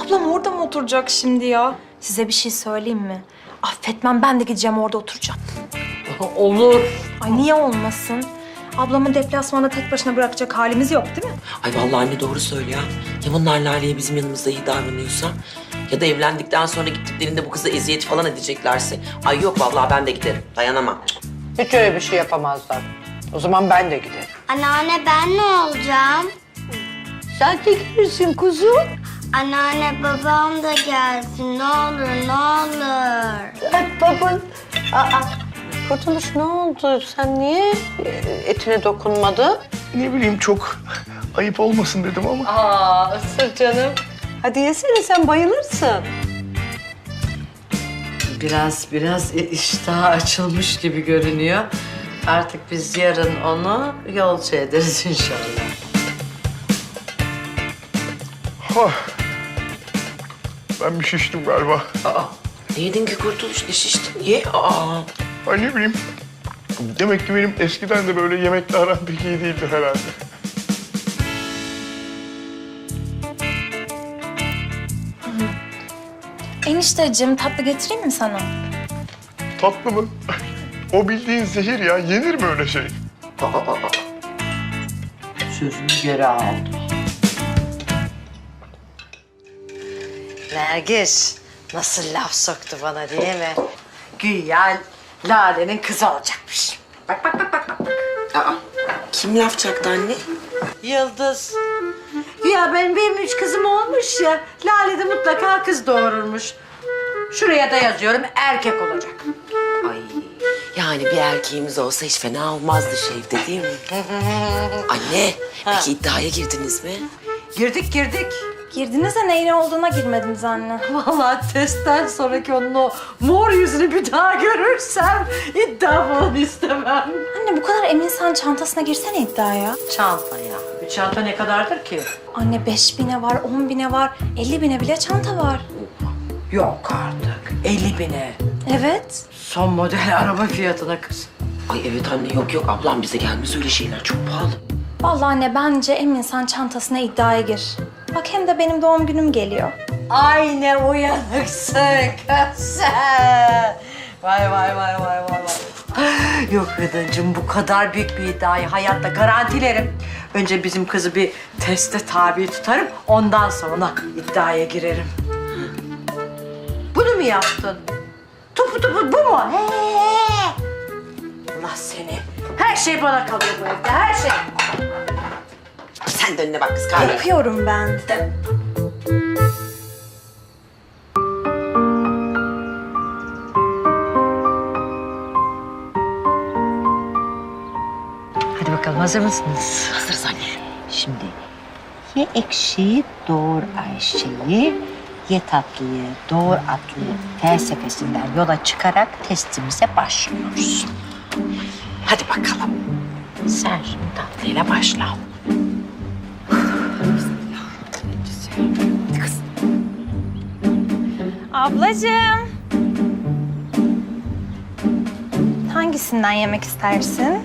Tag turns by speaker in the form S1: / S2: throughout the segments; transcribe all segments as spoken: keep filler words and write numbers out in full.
S1: Ablam orada mı oturacak şimdi ya? Size bir şey söyleyeyim mi? Affetmem, ben de gideceğim orada oturacağım.
S2: Olur.
S1: Ay niye olmasın? Ablamı deplasmanda tek başına bırakacak halimiz yok değil mi?
S3: Ay vallahi anne doğru söylüyor. Ya bunlar Lale'ye bizim yanımızda iyi davranıyorsa ya da evlendikten sonra gittiklerinde bu kıza eziyet falan edeceklerse. Ay yok vallahi ben de giderim. Dayanamam.
S2: Hiç öyle bir şey yapamazlar. O zaman ben de giderim.
S4: Anneanne ben ne olacağım?
S2: Sen de gelirsin kuzum.
S4: Anneanne babam da gelsin ne olur ne olur.
S2: Ay baban. Aa, Kurtuluş ne oldu? Sen niye etine dokunmadın?
S5: Ne bileyim çok ayıp olmasın dedim ama.
S2: Aa, ısır canım. Hadi yesene, sen bayılırsın. Biraz biraz iştah açılmış gibi görünüyor. Artık biz yarın onu yolcu ederiz inşallah.
S5: Hah. Ben bir şiştim galiba.
S3: Aa, ne yedin ki Kurtuluş? Ne şiştin? Ye. Aa.
S5: Ay ne bileyim. Demek ki benim eskiden de böyle yemekle aram pek iyi değildi herhalde.
S1: Enişteciğim, tatlı getireyim mi sana?
S5: Tatlı mı? O bildiğin zehir ya. Yenir mi öyle şey?
S3: Aa, aa, aa.
S2: Sözünü geri aldı. Nergis nasıl laf soktu bana değil mi? Güya Lale'nin kızı olacakmış. Bak bak bak bak bak.
S3: Aa. Kim laf çaktı anne?
S2: Yıldız. Ya benim, benim üç kızım olmuş ya. Lale de mutlaka kız doğururmuş. Şuraya da yazıyorum erkek olacak.
S3: Ay. Yani bir erkeğimiz olsa hiç fena olmazdı Şevde değil mi? Anne, peki iddiaya girdiniz mi?
S2: Girdik girdik.
S1: Girdiniz de neyin olduğuna girmediniz anne.
S2: Vallahi testten sonraki onun o mor yüzünü bir daha görürsem iddia falan istemem.
S1: Anne bu kadar eminsen çantasına girsene iddiaya.
S2: Çanta ya. Bir çanta ne kadardır ki?
S1: Anne beş bine var, on bine var, elli bine bile çanta var.
S2: Yok artık. elli bine.
S1: Evet.
S2: Son model araba fiyatına kız.
S3: Ay evet anne yok yok ablam bize gelmez öyle şeyler çok pahalı.
S1: Vallahi anne bence eminsen çantasına iddiaya gir. Bak hem de benim doğum günüm geliyor.
S2: Ay ne uyanıksın kız sen. Vay vay vay vay vay vay. Yok Rıdıncığım bu kadar büyük bir iddiayı hayatta garantilerim. Önce bizim kızı bir teste tabi tutarım. Ondan sonra iddiaya girerim. Bunu mu yaptın? Topu topu bu mu? He. Allah seni. Her şey bana kalıyor bu evde her şey.
S3: Sen de önüne bak kız kahve.
S1: Yapıyorum ben.
S2: Hadi bakalım hazır mısınız?
S3: Hazırız anne.
S2: Şimdi ye ekşiyi doğur Ayşe'yi, ye tatlıyı doğur Atlı'yı felsefesinden yola çıkarak testimize başlıyoruz.
S3: Hadi bakalım.
S2: Sen şimdi tatlıyla başla.
S1: Ablacığım. Hangisinden yemek istersin?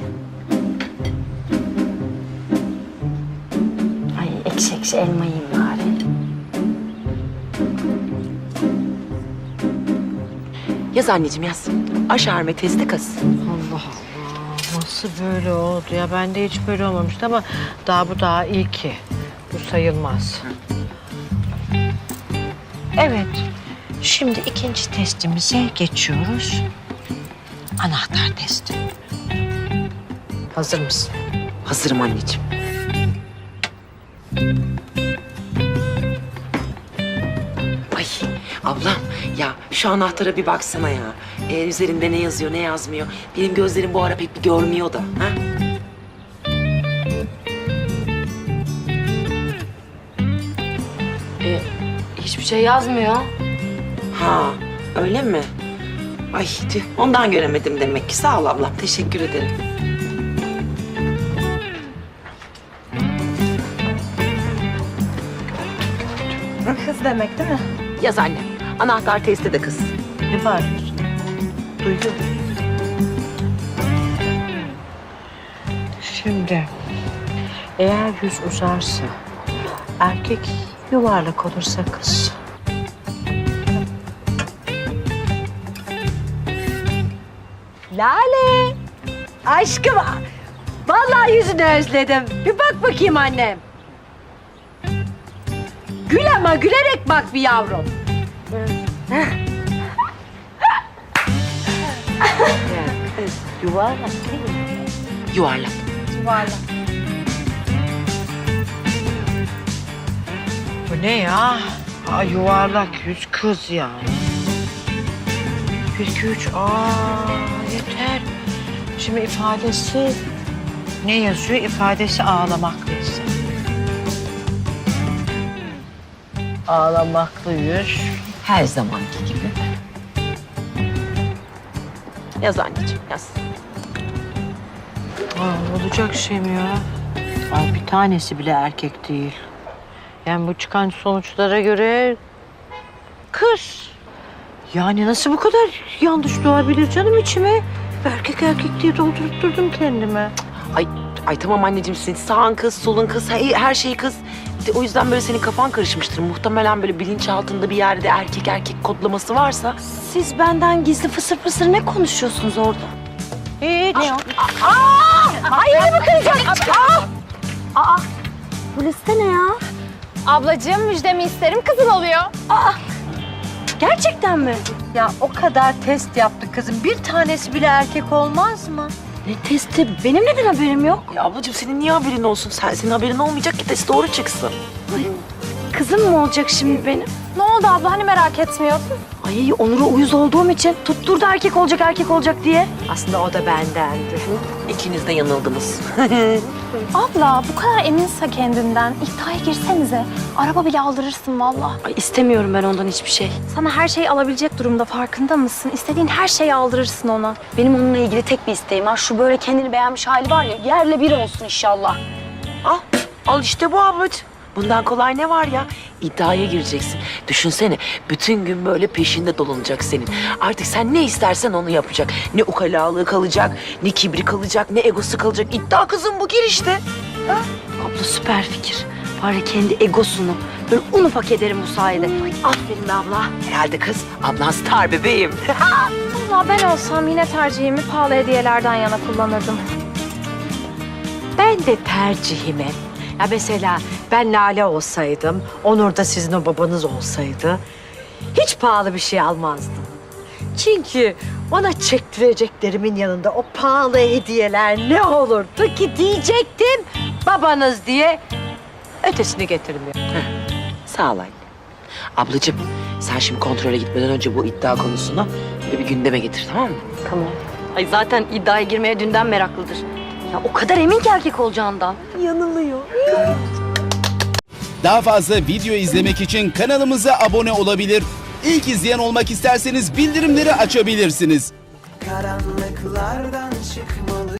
S2: Ay ekşi ekşi elma yiyeyim bari.
S3: Yaz anneciğim yaz. Aşarme testi kız.
S2: Allah Allah nasıl böyle oldu ya? Bende hiç böyle olmamıştı ama daha bu daha iyi ki. Bu sayılmaz. Evet. Şimdi ikinci testimize geçiyoruz. Anahtar testi. Hazır mısın?
S3: Hazırım anneciğim. Ay ablam ya şu anahtara bir baksana ya. Ee, üzerinde ne yazıyor ne yazmıyor. Benim gözlerim bu ara pek bir görmüyor da. Ha?
S6: Ee, hiçbir şey yazmıyor.
S3: Ha öyle mi? Ay tüh, ondan göremedim demek ki. Sağ ol ablam teşekkür ederim.
S1: Kız demek değil mi?
S3: Yaz anne. Anahtar testi de kız.
S2: Ne bağırıyorsun? Duydum. Şimdi eğer yüz uzarsa erkek, yuvarlak olursa kız. Lale. Aşkım. Vallahi yüzünü özledim. Bir bak bakayım annem. Gül ama gülerek bak bir yavrum. Ya kız yuvarlak değil mi?
S3: Yuvarlak.
S1: Yuvarlak.
S2: Bu ne ya? Aa, yuvarlak yüz kız ya. Bir, iki, üç. Aa, yeter. Şimdi ifadesi ne yazıyor? İfadesi ağlamaklı ise. Ağlamaklı yüz. Her zamanki gibi.
S3: Yaz anneciğim yaz.
S2: Aa, olacak şey mi ya? Ay, bir tanesi bile erkek değil. Yani bu çıkan sonuçlara göre kız. Yani nasıl bu kadar yanlış doğabilir canım içime? Erkek erkek diye doldurup durdum kendime.
S3: Ay, ay tamam anneciğim senin sağın kız, solun kız, her, her şey kız. İşte o yüzden böyle senin kafan karışmıştır. Muhtemelen böyle bilinçaltında bir yerde erkek erkek kodlaması varsa.
S6: Siz benden gizli fısır fısır ne konuşuyorsunuz orada?
S2: Hiç.
S6: Ne o? Bu liste ne ya?
S7: Ablacığım müjdemi isterim kızıl oluyor.
S6: Gerçekten mi?
S2: Ya o kadar test yaptık kızım. Bir tanesi bile erkek olmaz mı?
S6: Ne testi? Benim neden haberim yok?
S3: Ya ablacığım senin niye haberin olsun? Sen, senin haberin olmayacak ki test doğru çıksın.
S6: Kızım mı olacak şimdi benim?
S7: Ne oldu abla hani merak etmiyorsun?
S6: Ay Onur'a uyuz olduğum için tutturdu erkek olacak erkek olacak diye.
S2: Aslında o da bendendi.
S3: İkiniz de yanıldınız.
S7: Abla bu kadar eminse kendinden iddiaya girsenize. Araba bile aldırırsın valla.
S6: Ay istemiyorum ben ondan hiçbir şey.
S7: Sana her şeyi alabilecek durumda farkında mısın? İstediğin her şeyi aldırırsın ona.
S6: Benim onunla ilgili tek bir isteğim var. Şu böyle kendini beğenmiş hali var ya yerle bir olsun inşallah.
S3: Al, al işte bu ablacığım. Bundan kolay ne var ya? İddiaya gireceksin. Düşünsene, bütün gün böyle peşinde dolanacak senin. Artık sen ne istersen onu yapacak. Ne ukalalığı kalacak, ne kibri kalacak, ne egosu kalacak. İddia kızım bu, gir işte.
S6: Abla süper fikir. Var ya kendi egosunu böyle un ufak ederim bu sayede. Ay, aferin be abla.
S3: Herhalde kız, ablan star bebeğim.
S7: Valla ben olsam yine tercihimi pahalı hediyelerden yana kullanırdım.
S2: Ben de tercihime. Ya mesela ben Lale olsaydım, Onur da sizin o babanız olsaydı hiç pahalı bir şey almazdım. Çünkü ona çektireceklerimin yanında o pahalı hediyeler ne olurdu ki diyecektim babanız diye ötesini getirmiyor.
S3: Sağ ol anne. Ablacığım, sen şimdi kontrole gitmeden önce bu iddia konusunu böyle bir gündeme getir, tamam mı?
S6: Tamam. Ay zaten iddiaya girmeye dünden meraklıdır. Ya o kadar emin ki erkek olacağından.
S8: Daha fazla video izlemek için kanalımıza abone olabilir. İlk izleyen olmak isterseniz bildirimleri açabilirsiniz.
S9: Karanlıklardan çıkmalı